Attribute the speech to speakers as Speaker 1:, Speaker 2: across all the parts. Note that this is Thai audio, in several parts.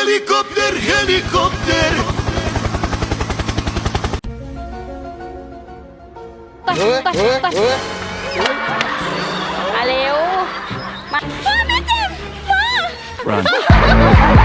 Speaker 1: Helikopter, helikopter.
Speaker 2: มาเร็วมาแม่เจ็บมา
Speaker 1: Run.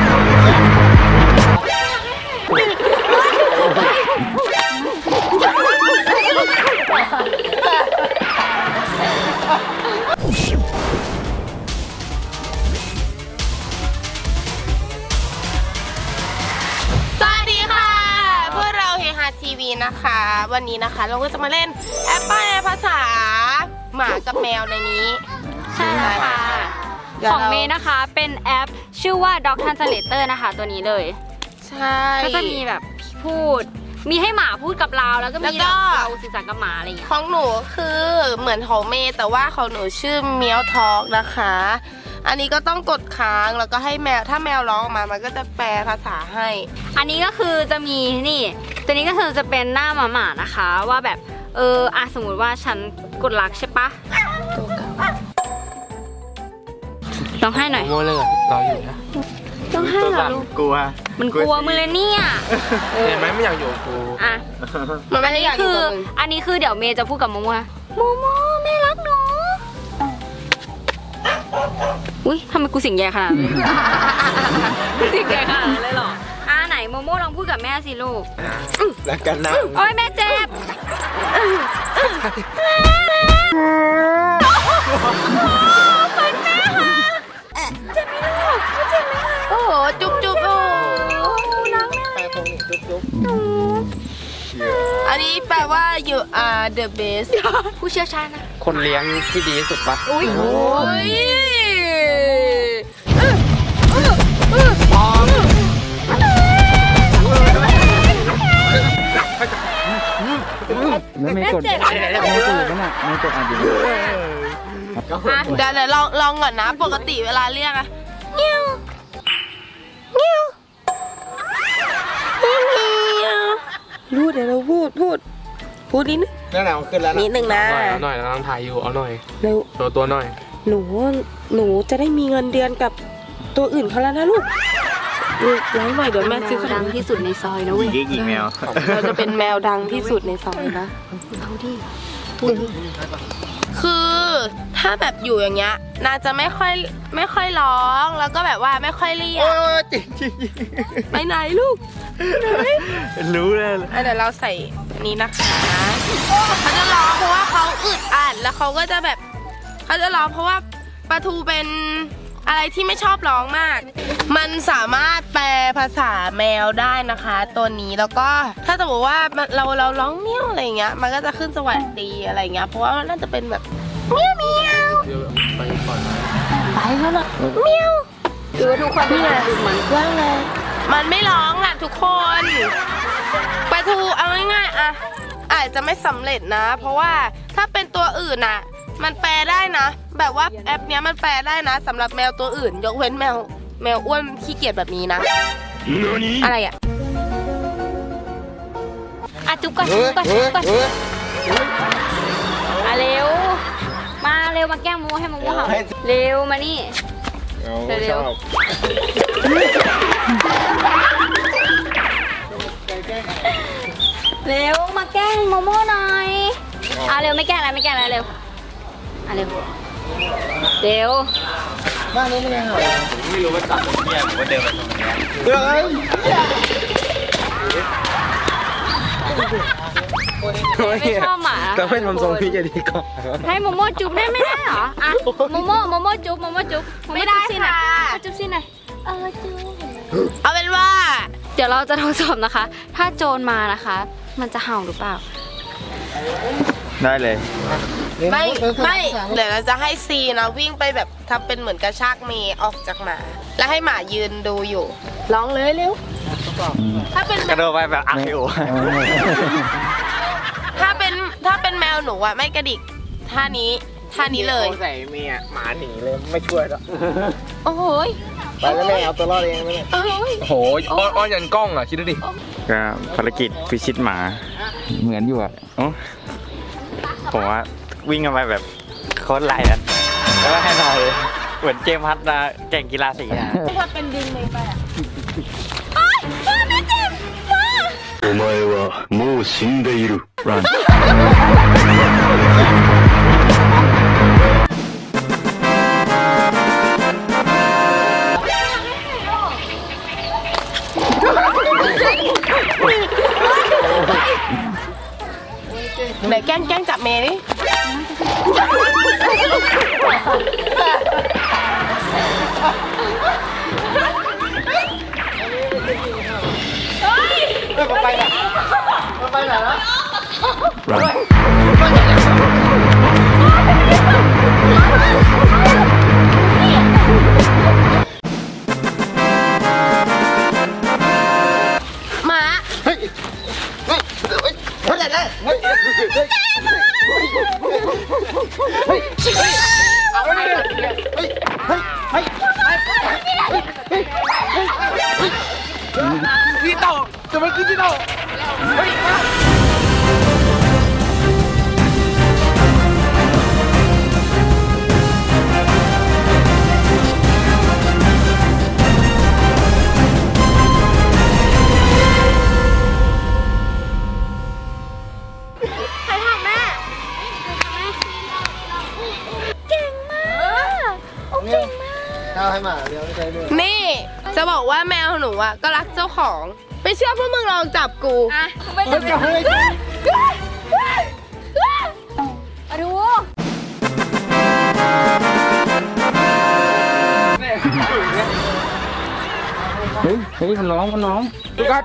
Speaker 2: สวัสดีค่ะพวกเราเฮฮาทีวีนะคะวันนี้นะคะเราก็จะมาเล่นแอปแปลภาษาหมากับแมวในนี้
Speaker 3: ใช่แล้วค่ะ ของเมย์นะคะเป็นแอปชื่อว่า Dog Translator นะคะตัวนี้เลย
Speaker 2: ใช่
Speaker 3: ก็จะมีแบบพูด มีให้หมาพูดกับเราแล้วก็มีแบบเราสื่อสารกับหมาอะไรอย่างเงี้ย
Speaker 2: ของหนูคือเหมือนของเมย์แต่ว่าของหนูชื่อเมียวทอกนะคะ อันนี้ก็ต้องกดค้างแล้วก็ให้แมวถ้าแมวร้องออกมามันก็จะแปลภาษาให้
Speaker 3: อันนี้ก็คือจะมีนี่ตัวนี้ก็คือจะเป็นหน้าหมาๆนะคะว่าแบบสมมุติว่าฉันกดรักใช่ปะลองให้หน่อย
Speaker 4: โมเลยเราอยู่นะ
Speaker 3: ต้องให้เหรอลูก
Speaker 5: กลัว
Speaker 3: มันกลัวมือเลยเนี่ย
Speaker 4: เห็นไหมไม่อยากอยู่กับกู
Speaker 3: อ่ะ
Speaker 2: มันไม่ได้อยากอยู่
Speaker 3: คือ
Speaker 2: กับมึง
Speaker 3: อันนี้คือเดี๋ยวเมย์จะพูดกับโมโมว่าโมโมแม่รักหนูอุ้ยทำไมกูเสียงแย่ขนาดนั้นเสียงแย่ขนาดนั้นเลยเหรอไหนโมโมลองพูดกับแม่สิลูก
Speaker 5: แล้วกันนะ
Speaker 3: โอ้ยแม่เจ็บ
Speaker 2: โอ้โหจุ๊บจุ๊บโอ้โห อันนี้แปลว่า you are the best
Speaker 3: ผู้เชี่ยวชาญนะ
Speaker 4: คนเลี้ยงที่ดีที่สุดปะ
Speaker 3: อุ้ย
Speaker 2: โอ้ย
Speaker 5: แล้วไม่กดไม่กดนั่นน่ะไม่กดอ่านอยู่
Speaker 2: เดี๋ยวลองก่อนนะ ปกติเวลาเรียกอะเงี้ยวเงี้ยวเงี้ยวพูดเดี๋ยวเราพูดนิดนึง
Speaker 5: นั่นน่ะมันขึ้นแล้ว
Speaker 2: นิดนึงนะ
Speaker 4: เอาหน่อยเรากำลังถ่ายอยู่เอาหน่อย
Speaker 2: เร็ว
Speaker 4: ตัวหน่อย
Speaker 2: หนูจะได้มีเงินเดือนกับตัวอื่นเขาแล้วนะลูกร้องหน่อยเดี๋ยวแม่ซื้อขน
Speaker 3: ดั
Speaker 2: ม
Speaker 3: งที่สุดในซอยนะเว้ย
Speaker 5: ยิงแมว
Speaker 2: เราจะเป็นแมวดังที่สุดในซอยนะ
Speaker 3: เอาดิ
Speaker 2: คือถ้าแบบอยู่อย่างเงี้ยนาจะไม่ค่อยร้องแล้วก็แบบว่าไม่ค่อยเรียก
Speaker 5: จริงจริง
Speaker 2: ไปไหนลูก
Speaker 5: รู้เลย
Speaker 2: เดี๋ยวเราใส่อันนี้นะคะเขาจะร้องเพราะว่าเขาอึดอัดแล้วเขาก็จะแบบเขาจะร้องเพราะว่าปลาทูเป็นอะไรที่ไม่ชอบร้องมาก มันสามารถแปลภาษาแมวได้นะคะตัวนี้แล้วก็ถ้าสมมติว่าเราร้องเมี้ยวอะไรเงี้ยมันก็จะขึ้นสวัสดีอะไรเงี้ยเพราะว่าน่าจะเป็นแบบเมี้ยวเมี้ยว
Speaker 4: เดี๋ยวไปก่อนนะ
Speaker 2: ไปแล้วเหรอเมี้ยว
Speaker 3: หรือว่าทุกคนนี่ไงมัน
Speaker 2: ว่างเลยมันไม่ร้องอ่ะทุกคนปลาทูเอาง่ายๆอะอาจจะไม่สำเร็จนะ เพราะว่าถ้าเป็นตัวอื่นอะมันแปลได้นะ แบบว่าแอปเนี้ยมันแปลได้นะสำหรับแมวตัวอื่น ยกเว้นแมวอ้วนขี้เกียจแบบนี้นะ อะไรอะ
Speaker 3: จุ๊บก่อนจุ๊บก่อนจุ๊บก่อนมาเร็วมาแกล้งโมโมให้โมโมเห่าเร็วมานี่ เร็ว เร็วมาแกล้งโมโมหน่อยเร็วไม่แกล้งแล้วเร็วเร็ว
Speaker 5: บ้านนี้ไม่ได้เหรอไม่รู้ว่าตัดตรงนี้หรือว่าเดินมาตรงนี้
Speaker 3: ไม่ชอบหมา
Speaker 5: แต่ไม่ทำทรงพี่จะดีกว่า
Speaker 3: ให้โมโมจุ๊บได้ไม่ได้เหรอโมโมจุ๊บ
Speaker 2: ไม่ได้ค่ะ
Speaker 3: จุ๊บสิหน่อยจุ๊บ
Speaker 2: เอาเป็นว่า
Speaker 3: เดี๋ยวเราจะทดสอบนะคะ ถ้าโจรมานะคะ มันจะเห่าหรือเปล่า
Speaker 5: ได้เลย
Speaker 2: ไม่เดี๋ยวเราจะให้ซีนะวิ่งไปแบบทำเป็นเหมือนกระชากเมย์ออกจากหมา แล้วให้หมายืนดูอยู่ร้องเลยเร็วถ้าเป็น
Speaker 5: กระโดดไปแบบอักโอ
Speaker 2: ถ้าเป็นแมวหนูอะไม่กระดิกท่านี้เลย
Speaker 5: ใส่เมียหมาหนีเลยไม่ช่วยแล้ว
Speaker 2: โอ้โหย
Speaker 5: ไปแล้วแม่เอาตัวรอดเองไหม
Speaker 2: โอ้ย
Speaker 4: โอ้โหอ้อนยันกล้องอ่ะคิดดูดิ
Speaker 5: ก็ภารกิจพิชิตหมาเหมือนอยู่อ่ะผมว่าวิ่งกันไปแบบโคตรไล่แล้วก็ให้เราเลยเหมือนเจมส์ฮัทนะแก่งกีฬาสีนะ
Speaker 2: ถ้าเป็นดินเลยไปอ่ะ
Speaker 1: お前はもう死んでいる Run
Speaker 2: ไหนแกล้งจับเมย์ดิหมา
Speaker 4: พี่โตจะมันคือพี่โตเฮ้ยมา
Speaker 2: นี่จะบอกว่าแมวหนูอ่ะก็รักเจ้าของไม่เชื่อพวกมึงลองจับกู
Speaker 3: อ่ะไปจับดู
Speaker 4: เฮ้ยมันน้องทุกคน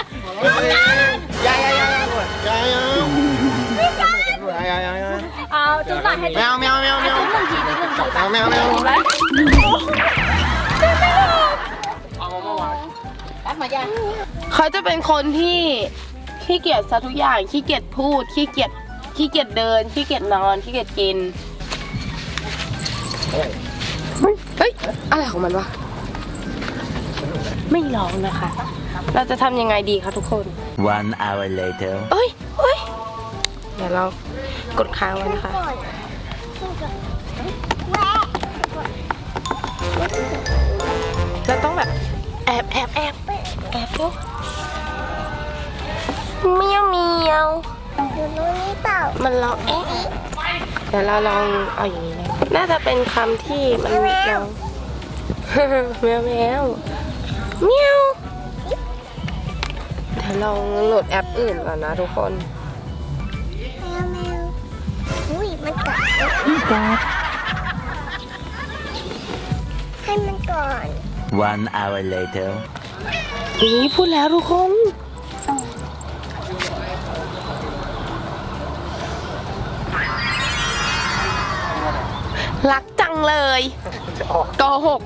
Speaker 3: เอาจุ๊บหน่อยให้
Speaker 5: แมวแมวแมวแมว
Speaker 3: จุ๊บหนึ่งทีจุ๊บหนึ่งสอง
Speaker 5: แมวแมว
Speaker 2: เขาจะเป็นคนที่ขี้เกียจซะทุกอย่างขี้เกียจพูดขี้เกียจเดินขี้เกียจนอนขี้เกียจกินเฮ้ยอะไรของมันวะไม่ร้องนะคะ เราจะทำยังไงดีคะทุกคน
Speaker 1: 1 hour later
Speaker 2: เอ้ยเดี๋ยวเรากดค้างไว้นะคะเราต้องแบบแอบดูเมียวมันร้องเดี๋ยวเราลองเอาอย่างนี้นะน่าจะเป็นคำที่มันร้อง แมวเดี๋ยวลองโหลดแอปอื่นก่อนนะทุกคน
Speaker 6: อุ้ยมันกัดให้มันก่อน
Speaker 1: 1 hour later
Speaker 2: นี่พูดแล้วทุกคน รักจังเลยโกหก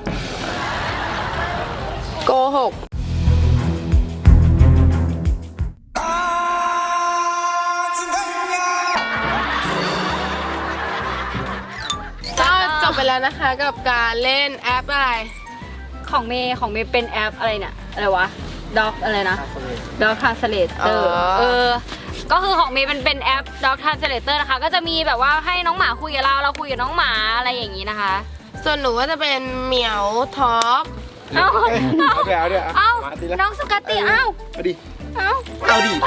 Speaker 2: ก็จบไปแล้วนะคะกับการเล่นแอปอะไร
Speaker 3: ของเมย์เป็นแอปอะไรเนี่ยอะไรวะด็อกอะไรนะด็อกทรานสเลเตอร์ก็คือของเมย์มันเป็นแอปด็อกทรานสเลเตอร์นะคะก็จะมีแบบว่าให้น้องหมาคุยกับเราคุยกับน้องหมาอะไรอย่างนี้นะคะ
Speaker 2: ส่วนหนูก็จะเป็นเหมียวท็อป
Speaker 3: เอ้า
Speaker 5: เอา
Speaker 3: น้องสุกาติเอ้า
Speaker 5: เอาดิ
Speaker 3: เอ้า
Speaker 5: เอาดิ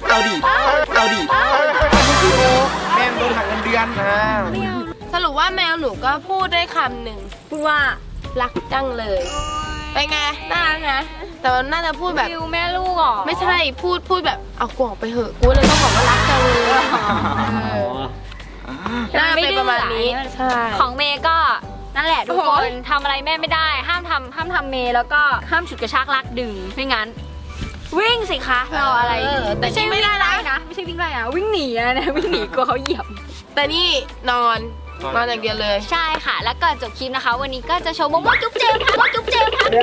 Speaker 5: แม่งโดนหักเงินเดือนนะ
Speaker 2: สรุปว่าแมวหนูก็พูดได้คำหนึ่ง
Speaker 3: พูดว่า
Speaker 2: รักจังเลยเป็นไงน่ารักนะแต่มันน่าจะพูดแบบ
Speaker 3: ฟิวแม่ลูกเหรอ
Speaker 2: ไม่ใช่พูดแบบเอากวอกไปเหอะกูเลยต้องบอกว่ารักจังเลยน่าจะเป็นประมาณนี้ใช่
Speaker 3: ของเมย์ก็นั่นแหละทุกคนทำอะไรแม่ไม่ได้ห้ามทำเมย์แล้วก็ห้ามฉุดกระชากลากดึงไม่งั้น วิ่งสิคะรออะไร
Speaker 2: แต่ใช่ไม่ได้นะ
Speaker 3: ไม่ใช่วิ่งไล่นะวิ่งหนีนะวิ่งหนีกลัวเขาเหยียบ
Speaker 2: แต่นี่นอนอย่างเดียวเลย
Speaker 3: ใช่ค่ะแล้วก่อนจบคลิปนะคะ วันนี้ก็จะโชว์โมโมจุ๊บเจมค่ะโมจุ๊บเจมค่ะ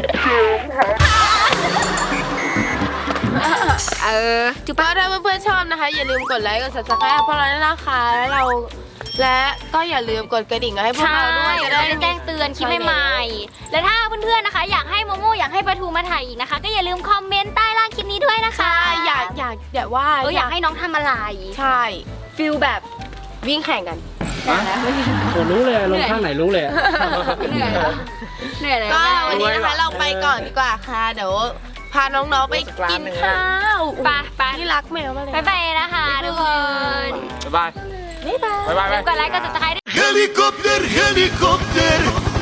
Speaker 2: จุ๊บถ้าเพื่อนๆชอบนะคะอย่าลืมกดไลค์กด subscribe พวกเราด้วยนะคะและก็อย่าลืมกดกระดิ่งให้พวกเราด้วยจะได้
Speaker 3: แจ้งเตือนคลิปใหม่ๆและถ้าเพื่อนๆนะคะอยากให้โมโมอยากให้ปลาทูมาถ่ายอีกนะคะก็อย่าลืมคอมเมนต์ใต้ล่างคลิปนี้ด้วยนะคะ
Speaker 2: อยากว่า
Speaker 3: อยากให้น้องทำอะไร
Speaker 2: ใช่
Speaker 3: ฟิลแบบ
Speaker 2: วิ่งแข่งกัน
Speaker 4: โอ้รู้เลยลงข้างไหนรู้เลย
Speaker 3: เหนื่อยเลย
Speaker 2: ก็วันนี้นะคะเราไปก่อนดีกว่าค่ะ เดี๋ยวพาน้องๆไปกินข้าว
Speaker 3: ไป
Speaker 2: ที่รักแมวมากเลย
Speaker 3: ไปนะคะทุกคน
Speaker 5: บ๊ายบาย
Speaker 2: บ๊ายบาย
Speaker 5: บ๊ายบาย
Speaker 3: กดไลค์กด subscribe
Speaker 1: Helikopter, helikopter